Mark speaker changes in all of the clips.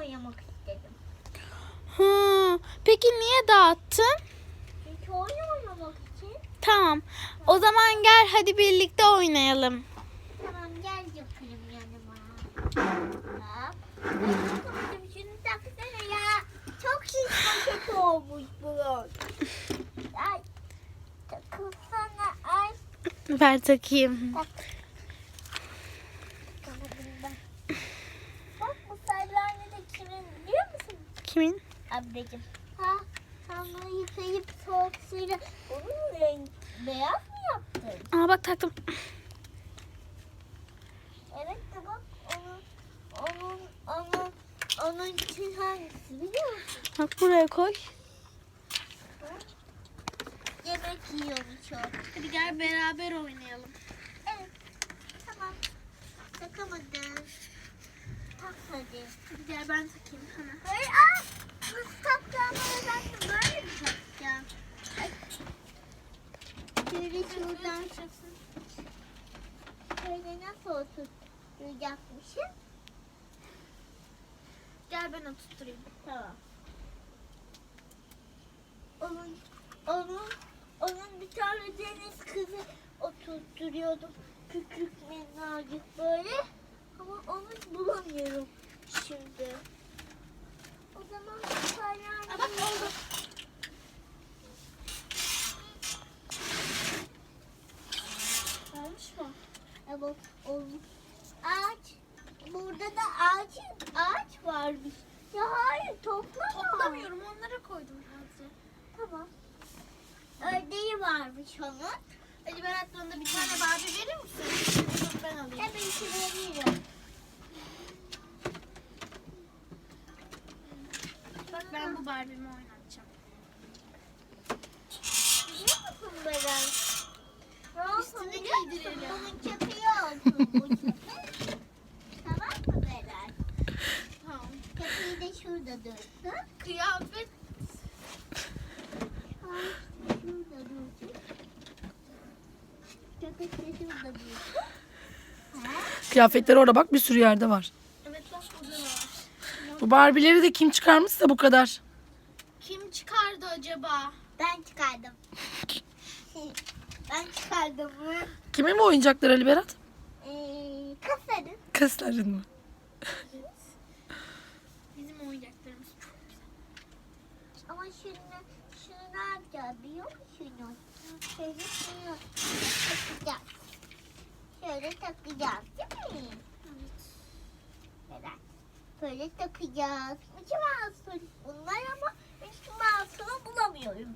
Speaker 1: oynamak istedim.
Speaker 2: Peki niye dağıttın?
Speaker 1: Çünkü oyun oynamak için.
Speaker 2: Tamam. O zaman gel hadi birlikte oynayalım.
Speaker 1: Tamam gel yapayım yanıma. Hop. Ay, şunu taksana ya. Çok şiş paket olmuş bu. Ay. Takılsana ay.
Speaker 2: Ver takayım.
Speaker 1: Tak. Bak bu salyanı da kimin biliyor musun?
Speaker 2: Kimin?
Speaker 1: Ablacığım. Ha, sen bunu yıkayıp soğuk suyla onun renk beyaz mı yaptın?
Speaker 2: Aa bak taktım.
Speaker 1: Evet de bak onun için hangisi biliyor musun?
Speaker 2: Bak buraya koy.
Speaker 1: Yemek yiyormuş o.
Speaker 2: Hadi gel beraber oynayalım.
Speaker 1: Evet. Tamam. Takamadın. Tak hadi.
Speaker 2: Hadi gel ben takayım hemen.
Speaker 1: Hayır nasıl takacağım ben de böyle mi takacağım? Ay. Şöyle şuradan şöyle nasıl oturtacakmışım?
Speaker 2: Gel ben oturtturayım.
Speaker 1: Tamam. Onun bir tane deniz kızı oturtturuyordum. Küçük minnacık böyle. Ama onu bulamıyorum şimdi. O zaman
Speaker 2: Aa, bak oldu. Olmuş mu?
Speaker 1: Evet olmuş. Ağaç. Burada da ağaç varmış. Ya hayır toplama.
Speaker 2: Toplamıyorum onlara koydum sadece.
Speaker 1: Tamam. Ördeği varmış onun.
Speaker 2: Hadi ben aklımda bir tane Barbie verir misin? Dur ben alayım.
Speaker 1: Tabii ki veriyorum.
Speaker 2: Bak ben bu Barbie'mi oynatacağım.
Speaker 1: Biliyor musun Beren? Ne olsun
Speaker 2: Üstüne
Speaker 1: biliyor musun?
Speaker 2: giydirelim.
Speaker 1: Bunun köpeği olsun bu köpek. Tamam mı Beren?
Speaker 2: Tamam.
Speaker 1: Köpeği de şurada dursun.
Speaker 2: Kıyafet.
Speaker 1: Ay, şurada dursun. Köpek de şurada dursun. Ha?
Speaker 3: Kıyafetler orada bak bir sürü yerde var.
Speaker 2: Evet bak burada var.
Speaker 3: Bu Barbie'leri de kim çıkarmışsa bu kadar.
Speaker 2: Kim çıkardı acaba?
Speaker 1: Ben çıkardım. Ben çıkardım bunu.
Speaker 3: Kimin bu oyuncaklar Ali Berat?
Speaker 1: Kasarım.
Speaker 3: Kızların mı?
Speaker 2: Bizim oyuncaklarımız çok güzel.
Speaker 1: Ama şunu ne yapacağız biliyor musun? Şöyle şunu takacağız. Şöyle takacağız değil mi?
Speaker 2: Evet.
Speaker 1: Evet. Böyle takacağız. Mickey Mouse'un bunlar ama Mickey Mouse'unu bulamıyorum.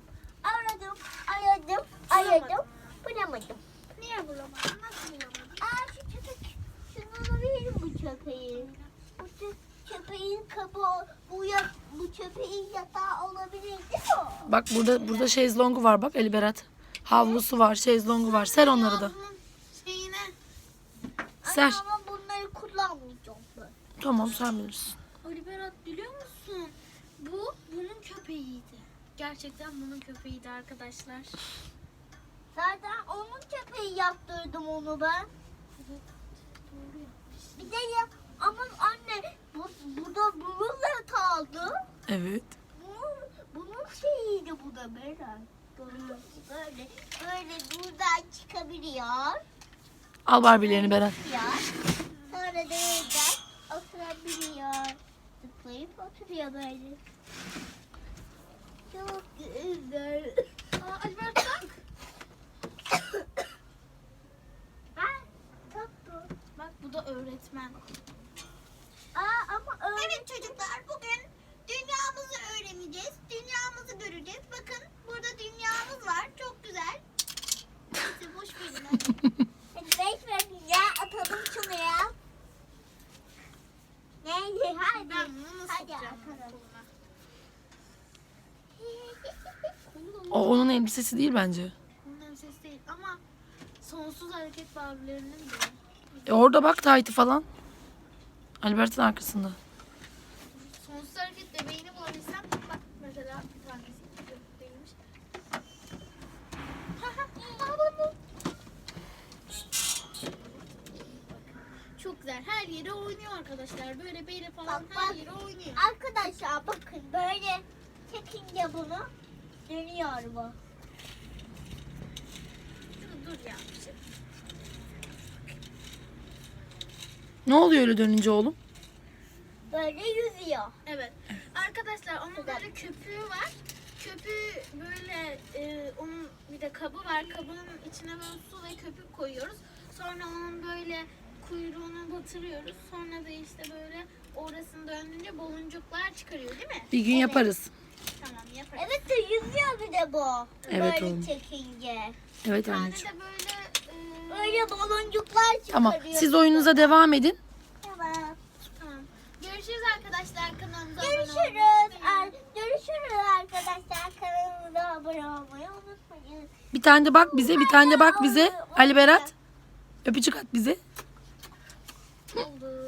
Speaker 1: Aradım. Bulamadım.
Speaker 2: Niye bulamadın? Nasıl bulamadın?
Speaker 1: Şu köpek. Şunu alabilirim bu köpeği. Bu köpeğin kabuğu, bu köpeğin yatağı olabilir değil mi?
Speaker 3: Bak burada şezlongu var bak Ali Berat. Havlusu var, şezlongu var. Ser onları da.
Speaker 2: Bunun şeyine.
Speaker 3: Ser.
Speaker 1: Ama bunları kullanmayacağım ben.
Speaker 3: Tamam sen bilirsin.
Speaker 2: Ali Berat biliyor musun? Bu bunun köpeğiydi. Gerçekten bunun köpeğiydi arkadaşlar.
Speaker 1: Zaten onun köpeği yaptırdım onu ben.
Speaker 2: Evet. Doğru yapmış.
Speaker 1: Bir de ya ama anne burada bununla kaldı.
Speaker 3: Evet.
Speaker 1: Bunun şeyiydi bu da böyle buradan çıkabiliyor.
Speaker 3: Al Barbie'lerini Berat.
Speaker 1: Sonra da buradan oturabiliyor. Zıplayıp oturuyor böyle. Çok güzel.
Speaker 2: Aa, Ali Berat bak.
Speaker 1: Tatlı.
Speaker 2: Bak bu da öğretmen.
Speaker 1: Ama
Speaker 4: Evet çocuklar, bugün dünyamızı öğreneceğiz. Dünyamızı göreceğiz. Bakın burada dünyamız var. Çok güzel. Neyse boş verin hadi.
Speaker 1: hadi 5 verin ya atalım şunu ya. Neyse hadi.
Speaker 2: Ben bunu nasıl
Speaker 1: Hadi
Speaker 2: yapacağım?
Speaker 1: atalım.
Speaker 3: O onun elbisesi değil bence.
Speaker 2: Bunların sesi değil ama sonsuz hareket Barbie'lerinin de.
Speaker 3: Orada bak Tahiti falan. Ali Berat'ın arkasında.
Speaker 2: Sonsuz hareket bebeğini bulabilsem bak mesela bir tanesi değilmiş. Çok güzel. Her yere oynuyor arkadaşlar. Böyle böyle falan
Speaker 1: Bak,
Speaker 2: her
Speaker 1: bak.
Speaker 2: yere oynuyor.
Speaker 1: Arkadaşlar bakın böyle çekince bunu dönüyor bu.
Speaker 2: Dur ya.
Speaker 3: Ne oluyor öyle dönünce oğlum?
Speaker 1: Böyle yüzüyor.
Speaker 2: Evet. Arkadaşlar onun böyle köpüğü var. Köpüğü böyle onun bir de kabı var. Kabının içine böyle su ve köpük koyuyoruz. Sonra onun böyle kuyruğunu batırıyoruz. Sonra da işte böyle orasını döndürünce baloncuklar çıkarıyor değil mi?
Speaker 3: Bir gün yaparız.
Speaker 2: Tamam yaparız.
Speaker 1: Evet de yüzüyor bir de bu.
Speaker 3: Evet
Speaker 1: böyle
Speaker 3: oğlum.
Speaker 1: çekince.
Speaker 3: Evet
Speaker 2: Bir tane
Speaker 3: anneciğim.
Speaker 2: de böyle
Speaker 1: Böyle baloncuklar çıkarıyor.
Speaker 3: Tamam. Siz oyununuza devam edin.
Speaker 1: Tamam.
Speaker 2: tamam. Görüşürüz arkadaşlar, kanalımıza abone
Speaker 1: Görüşürüz.
Speaker 2: olmayı.
Speaker 1: Görüşürüz arkadaşlar. Kanalımıza abone olmayı unutmayın.
Speaker 3: Bir tane de bak bize. Bir tane de bak bize. Ali Berat. Öpücük at bize.
Speaker 2: Oldu.